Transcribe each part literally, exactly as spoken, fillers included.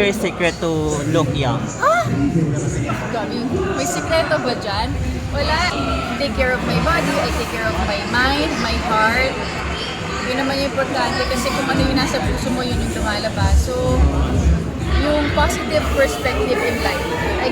your secret to look young? Ah! Gabi, may sikreto ba dyan? Wala. I take care of my body, I take care of my mind, my heart. Yun naman yung importante kasi kung ano yung nasa puso mo, yun yung lumalabas. So, yung positive perspective in life. I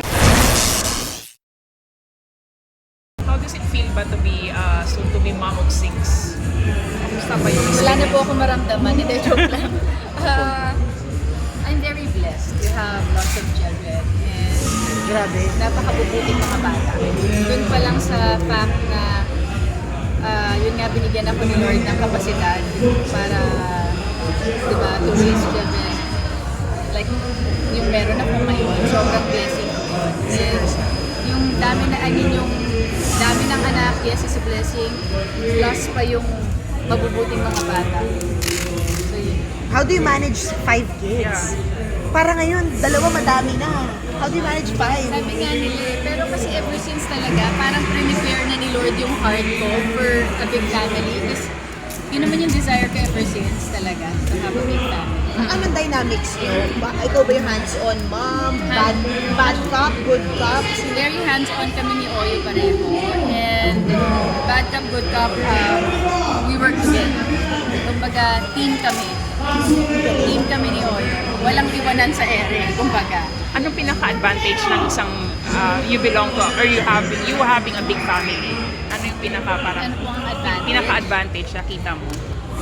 How does it feel ba to be uh, soon to be mom of six? Kamusta ba yung Wala na po ako maramdaman, hindi joke lang. Uh, I'm very blessed to have lots of children and grabe, napakabubuting mga bata. Doon pa lang sa fact na uh, yun nga binigyan ako ni Lord ng kapasidad para diba, to raise children. Like yung meron ako ngayon, sobrang blessing ko yun. And yung dami na, I mean yung dami ng anak, yes, is a blessing. Plus pa yung mabubuting mga bata. So yun. How do you manage five kids? Para ngayon, dalawa madami na. How do you manage five? Sabi nga nila, eh, pero kasi ever since talaga, parang prepare na ni Lord yung heart ko for a big family. Because yun naman yung desire ko ever since talaga, to have a big family. Anong dynamics nyo? Ba- ikaw ba yung hands-on mom? Bad, bad cop? Good cop? Very hands-on kami ni Oyo pareho. And bad cop, good cop, um, we work together. Kumbaga, team kami. Team kami ni Oyo. Walang iwanan sa ere, kumbaga. Anong pinaka-advantage ng isang uh, you belong to or you have you having a big family? Ano yung pinaka parang Ano po ang advantage? pinaka-advantage na kita mo?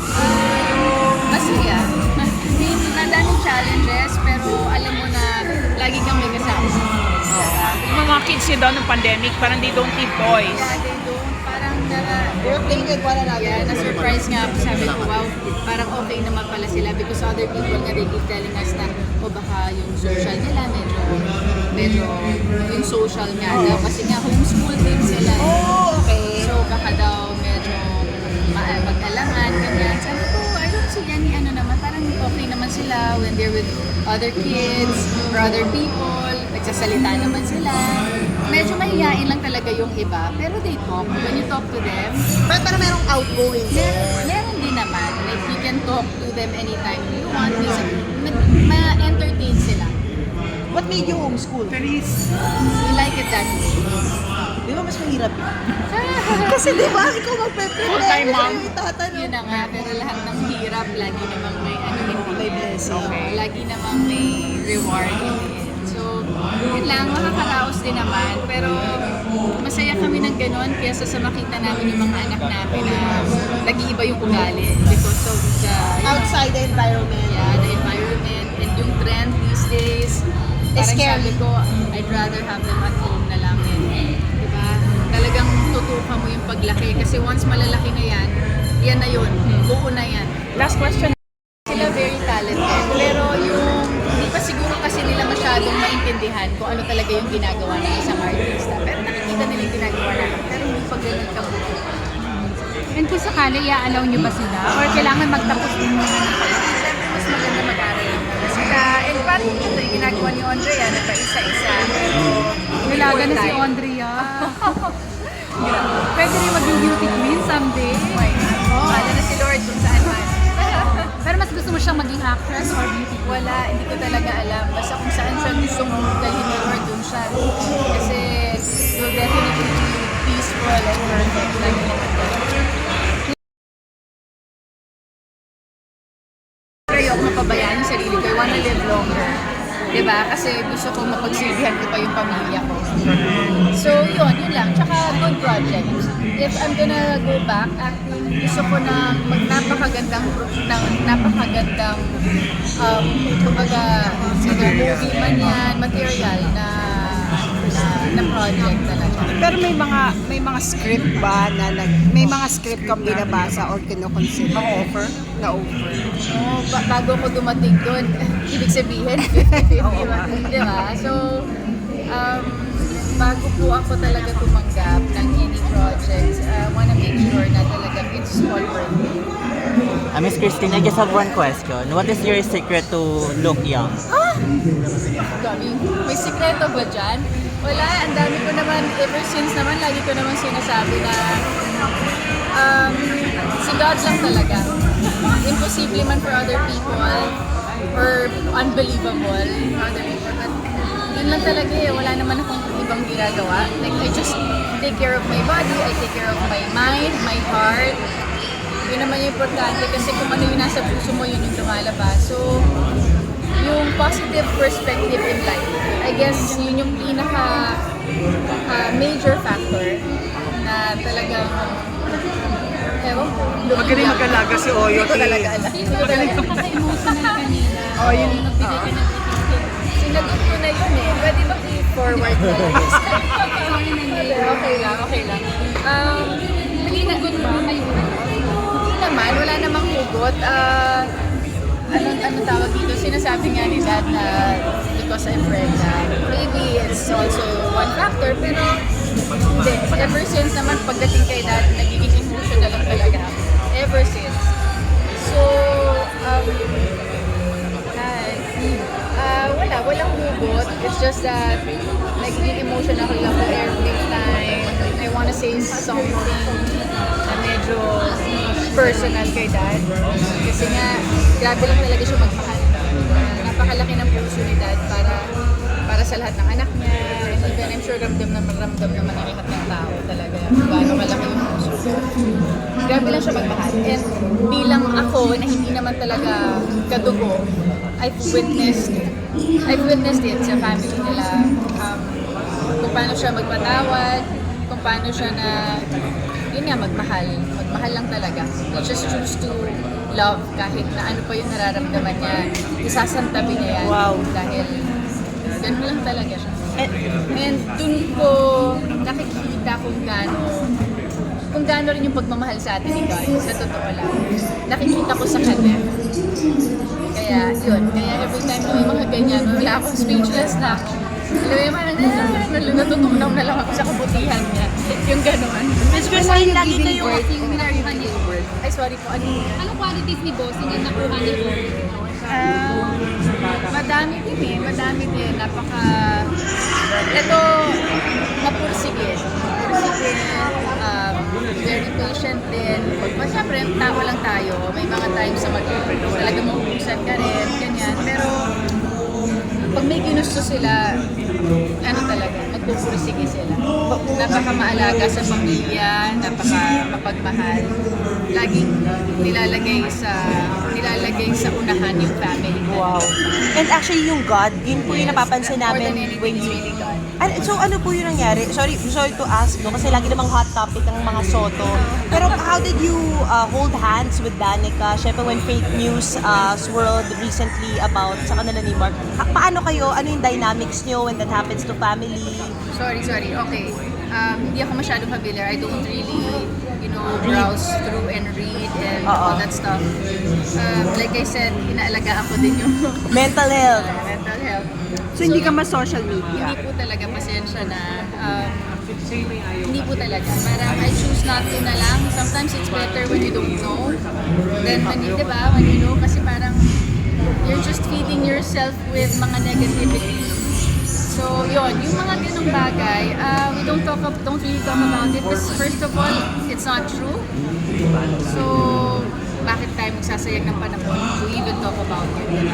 Masaya. Madaming challenges, pero alam mo na lagi kang may kasama. Yung mga kids niyo daw ng pandemic, parang they don't need toys. Yeah, they don't. Parang nara, We're playing with one another. yeah, na-surprise nga ako. Sabi ko, wow, parang okay naman pala sila because other people nga they keep telling us na o baka yung social nila medyo, medyo yung social nga daw. Kasi nga homeschool din sila. Oh, okay. So baka daw medyo ma- mag-alangan, ganyan. Sabi ko, I don't see any ano naman, parang okay naman sila when they're with other kids or other people, nagsasalita naman sila. Medyo mahihain lang talaga yung iba, pero they talk. When you talk to them, Pero, pero merong outgoing meron, there. meron din naman. Like, you can talk to them anytime you want. Minsan, ma- ma-entertain sila. What made you homeschool? You like it that way. Di ba mas mahirap yun? Kasi di ba, ikaw magpe-prepare. Full-time mom. Yung itatanong. Yun na nga, pero lahat ng hirap, lagi namang may ano hindi. May blessing. Okay. Lagi namang may reward in the end. So, yun lang, makakaraos din naman. Pero masaya kami ng ganun kaysa sa makita namin yung mga anak namin na nag-iiba yung ugali because of the, you know, Outside the environment. yeah, the environment and yung trend these days. Parang scary. sabi ko, I'd rather have them at home na lang. And, diba? Talagang tutukan mo yung paglaki kasi once malalaki na yan, yan na yun. Buo na yan. Last question. Sila very talented, pero yung hindi pa siguro kasi nila masyadong maintindihan kung ano talaga yung ginagawa ng isang artista. Pero nakikita nila yung ginagawa natin, pero hindi pa ganun kabuo. And kung sakali, i-allow nyo ba sila? Or kailangan magtapos din muna ng Siyempre, mas maganda mag-aral lang muna sila. And parang ito yung ginagawa ni Andrea, na pa isa-isa. Nilaga na si Andrea. Pwede rin maging beauty queen someday. Why not? Wala na si Lord kung saan man. Pero mas gusto mo siyang maging actress or beauty queen? Wala, hindi ko talaga alam. Basta kung saan siya gusto mong dalhin ni Lord, dun siya. Kasi you'll definitely be peaceful and perfect. Lagi naman talaga. Ayoko mapabayaan yung sarili ko. I wanna live longer. Diba? Kasi gusto ko mapagsilbihan ko pa yung pamilya ko. So, yun, yun lang. Tsaka, good project. If I'm gonna go back acting, gusto ko na mag napakagandang, ng, napakagandang, um, kumbaga, either movie man yan, material na, na, na project talaga. Pero may mga may mga script ba na nag may mga script kang binabasa or kino-consider? Na-offer? Na-offer. Oh, ba- bago ko dumating doon, ibig sabihin, fifty fifty ba? Di ba? So, um, bago po ako talaga tumanggap ng any projects, I wanna make sure na talaga it's all worth it. Uh, Miss Christine, I just have one question. What is your secret to look young? Gabi, may sikreto ba dyan? Wala, ang dami ko naman, ever since naman, lagi ko naman sinasabi na um, si God lang talaga. Imposible man for other people. or unbelievable. How do you- But yun lang talaga eh. Wala naman akong ibang ginagawa. Like, I just take care of my body, I take care of my mind, my heart. Yun naman yung importante kasi kung ano yung nasa puso mo, yun yung lumalabas. So, yung positive perspective in life, I guess yun yung pinaka uh, major factor na talagang ewan ko. Magaling mag-alaga si Oyo. Hindi ko talaga alam. Hindi ko talaga alam. Napaka-emotional kanina. Oh, yun. Nagbigay ka ng ticket. Sinagot ko na yun eh. Pwede ba i-forward ko lang? Sorry na Okay, okay lang, okay lang. Um, hindi na good ba? Hindi naman, wala namang hugot. Ah, anong, anong tawag dito? Sinasabi nga ni Dad na because I'm pregnant. Maybe it's also one factor, pero hindi. Ever since naman pagdating kay Dad, nagiging emotional lang talaga ako. Ever since. So, um, hi. Ah, wala, walang hugot. It's just that nagiging emotional lang ako every time I wanna say something na medyo personal kay Dad. Kasi nga, grabe lang talaga siya magmahal. Uh, napakalaki ng puso ni Dad para para sa lahat ng anak niya. And even I'm sure ramdam na ramdam naman ng lahat ng tao talaga. Kung gaano kalaki yung puso ko. Grabe lang siya magmahal. And bilang ako na hindi naman talaga kadugo, I've witnessed I've witnessed it sa family nila. Um, kung paano siya magpatawad, kung paano siya na, yun nga, magmahal. Magmahal lang talaga. He just choose to love kahit na ano pa yung nararamdaman niya. Isasantabi niya yan. Wow. Dahil ganun lang talaga siya. And dun ko nakikita kung gaano kung gaano rin yung pagmamahal sa atin ni God, sa totoo lang. Nakikita ko sa kanya. Kaya, yun. Kaya every time na may mga ganyan, wala akong speechless na ako. Alam mo yung parang, ah, natutunaw na lang ako sa kabutihan niya. Yung gano'n. Miss Christine, lagi kayong... Yung minaruhan niya. Ay, sorry po. Ano yun? Anong qualities ni Bossing yung nakuha niya po? Ah, madami din eh. Madami din. Napaka... Ito, mapursige. Mapursige. Um, very patient din. Pag, siyempre, tao lang tayo. May mga times sa mag talaga mahuhusan ka rin. Ganyan. Pero, pag may ginusto sila, ano talaga, magpupursige sila. Napaka maalaga sa pamilya, napaka mapagmahal. Laging nilalagay sa nilalagay sa unahan yung family. Wow. And actually, yung God, yun po yung napapansin More namin than anything, when it's you... really God. Ano, so ano po yung nangyari? Sorry, sorry to ask, no? Kasi lagi namang hot topic ang mga Soto. Pero how did you uh, hold hands with Danica? Siyempre when fake news uh, swirled recently about sa kanila ni Mark, ha- paano kayo? Ano yung dynamics nyo when that happens to family? Sorry, sorry. Okay. Um, hindi ako masyadong familiar. I don't really, you know, browse through and read and all that stuff. Um, like I said, inaalagaan ko din yung Mental health. mental health. So, hindi ka ma-social media? Hindi po talaga, pasensya na. Um, hindi po talaga. Parang I choose not to na lang. Sometimes it's better when you don't know than when you, di ba? When you know, kasi parang you're just feeding yourself with mga negativity. So, yun, yung mga ganung bagay, uh, we don't talk, ab- don't really talk about it because first of all, it's not true. So, bakit tayo magsasayag ng panahon to even talk about it? Yun.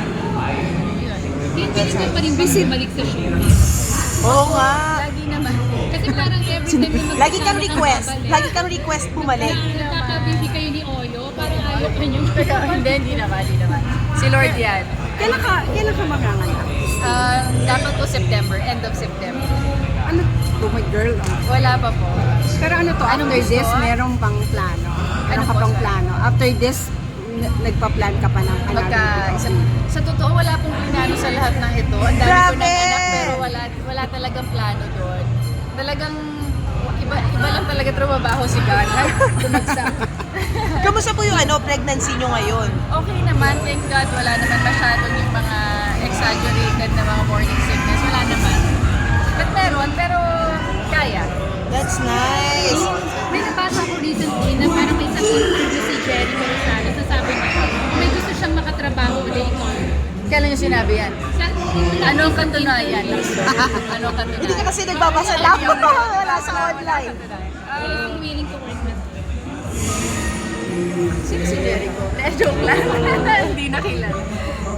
Hindi ka pa rin busy balik sa showbiz. Oo nga. Lagi naman. Kasi parang every time na Lagi kang magkasama request. babalik, Lagi kang request bumalik. Nagkaka-busy kayo ni Oyo, parang ayaw ka niyo. Pero hindi, hindi naman, hindi naman. Si Lord yan. Kailan ka, kailan ka maganganak? Uh, dapat po September, end of September. Ano? Oh my girl. oh. Wala pa po. Pero ano to, Anong after gusto? this, meron pang plano? Meron Ano ka po, pang sir? plano? After this, n- nagpa-plan ka pa ng Magka, sa, another sa totoo, wala pong plano sa lahat ng ito. Ang dami ko Grabe! ng anak, pero wala, wala talagang plano doon. Talagang, iba, iba lang talaga trabaho si God. Ay, tumagsak. Kamusta po yung ano, pregnancy nyo ngayon? Okay naman, thank God, wala naman masyadong yung mga exaggerated na mga morning sickness. Wala naman. But meron, pero kaya. That's nice. May nabasa ko recently na parang may isang interview si Jerry Corazano. Sasabi niya, may gusto siyang makatrabaho ulit ikaw. Kailan yung sinabi yan? Sa, Anong katunayan? Anong katunayan? Hindi ka kasi nagbabasa lang. Wala sa online. uh, willing to work with. Sino si Jericho? Eh, joke lang. Hindi na kilala.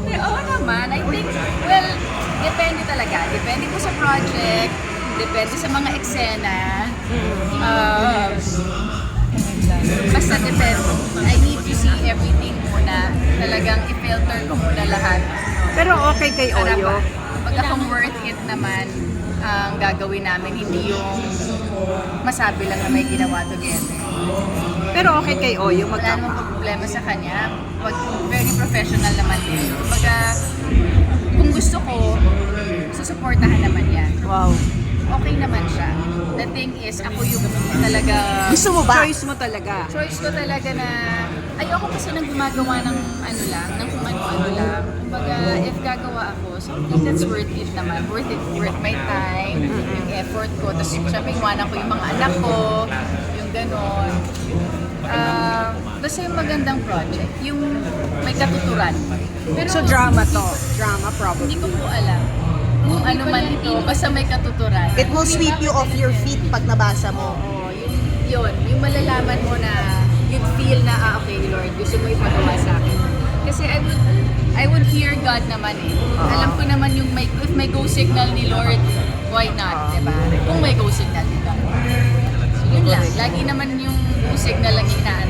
Oo naman. I think, well, depende talaga. Depende po sa project, depende sa mga eksena. Uh, basta depende. I need to see everything muna. Talagang i-filter ko muna lahat. Pero okay kay Para Oyo. ba, pagka kung worth it naman ang gagawin namin, hindi yung masabi lang na may ginawa together. Pero okay kay Oyo Wala magkapa. namang problema sa kanya. Pag very professional naman din. Kumbaga, kung gusto ko, susuportahan naman yan. Wow. Okay naman siya. The thing is, ako yung talaga... Gusto mo ba? Choice mo talaga. Choice ko talaga na... Ayoko kasi nang gumagawa ng ano lang, ng kung ano-ano lang. Kumbaga, if gagawa ako, something that's worth it naman. Worth it, worth my time, yung effort ko. Tapos syempre, iwanan ko yung mga anak ko, yung ganon. Ah, basta yung magandang project, yung may katuturan. Pero So drama to. Drama hindi probably. ko po alam kung ano man ito, basta may katuturan. It will sweep you off your feet pag nabasa mo. Oo, yun, yun, yung malalaman mo na you'd feel na, ah, okay, Lord, gusto mo ipagawa sa akin. Kasi I would, I would hear God naman eh. Alam ko naman yung may, if may go signal ni Lord, why not, diba? Kung may go signal ni God. So, yun lang. Lagi naman yung go signal lang yung inaalala